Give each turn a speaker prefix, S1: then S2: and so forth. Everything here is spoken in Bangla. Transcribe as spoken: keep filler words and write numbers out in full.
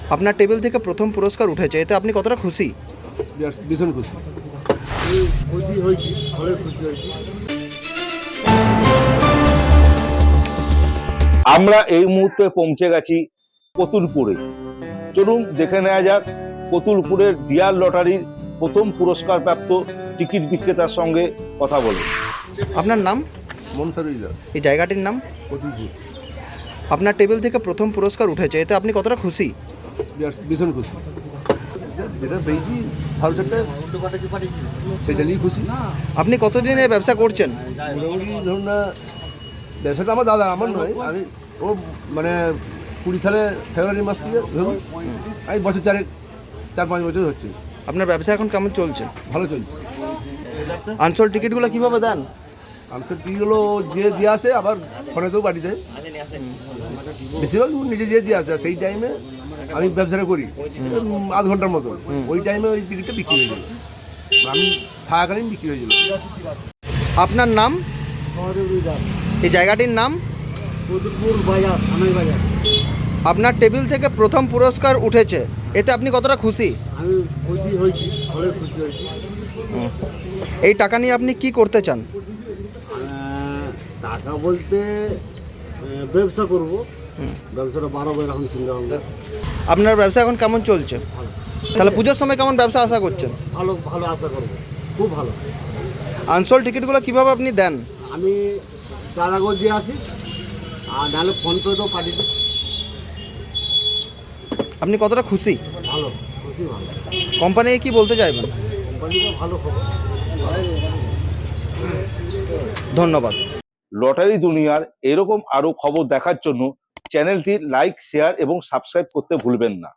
S1: আপনার টেবিল থেকে প্রথম পুরস্কার উঠেছে, এতে আপনি কতটা খুশি?
S2: ভীষণ খুশি।
S3: আমি খুশি হয়েছি, ভালোই খুশি হয়েছি।
S4: আমরা এই মুহূর্তে পৌঁছে গেছি কতুলপুরে। চলুন দেখে নেওয়া যাক কতুলপুরের ডিয়ার লটারির প্রথম পুরস্কার প্রাপ্ত টিকিট বিক্রেতার সঙ্গে কথা বলে।
S1: আপনার নাম?
S2: মনসারুল দাস,
S1: এই জায়গাটির নাম?
S2: কতুলপুর।
S1: আপনার টেবিল থেকে প্রথম পুরস্কার উঠেছে, এতে আপনি কতটা খুশি?
S2: ভীষণ খুশি। যেটা পেয়েছি ভালো চারটে সেটা নিয়েই খুশি।
S1: আপনি কতদিন এই ব্যবসা করছেন?
S2: মোটামুটি ধরুন না, ব্যবসাটা আমার দাদা, আমার নয়। আমি ও মানে কুড়ি সালে ফেব্রুয়ারি মাস থেকে ধরুন আমি বছর চারেক চার পাঁচ বছর হচ্ছে।
S1: আপনার ব্যবসা এখন কেমন চলছে?
S2: ভালো চলছে।
S1: আনসোল্ড টিকিটগুলো কিভাবে দেন?
S2: আনসার টিগুলো যে দিয়ে আসে, আবার ফোনেতেও বাড়িতে বেশিরভাগ নিজে যে দিয়ে আসে। সেই টাইমে আমি ব্যবসাটা করি উম, আধ ঘন্টার মতো। ওই টাইমে ওই টিকিটটা বিক্রি হয়ে যাবে, আমি থাকাকালীন বিক্রি হয়ে যাবে।
S1: আপনার নাম?
S3: সহদেবী দাস,
S1: এই জায়গাটির নাম?
S3: কতুলপুর বাজার, থানাই বাজার।
S1: আপনার টেবিল থেকে প্রথম পুরস্কার উঠেছে, এতে আপনি কতটা খুশি?
S3: আমি খুশি হয়েছি, ভালোই খুশি হয়েছি।
S1: এই টাকা নিয়ে আপনি কি করতে চান?
S3: আহ, টাকা বলতে আহ, ব্যবসা করব, ব্যবসাটা বাড়াবো এরকম চিন্তা ভাবনা।
S1: আপনার ব্যবসা এখন কেমন চলছে?
S3: ভালো,
S1: তাহলে পুজোর সময় কেমন ব্যবসা আশা করছেন?
S3: ভালো ভালো আশা করব, খুব ভালো।
S1: আনসোল্ড টিকিটগুলো কিভাবে আপনি দেন?
S3: আমি দাদাগো দিয়ে আসি, আর নাহলে ফোন পে তো পাঠিয়ে দিই।
S1: আপনি কতটা খুশি?
S3: ভালো, খুশি ভালো।
S1: কোম্পানি কি বলতে চাইবেন?
S3: কোম্পানিটা ভালো খবর।
S1: ধন্যবাদ।
S4: লটারি দুনিয়ার এরকম আরো খবর দেখার জন্য চ্যানেলটি লাইক, শেয়ার এবং সাবস্ক্রাইব করতে ভুলবেন না।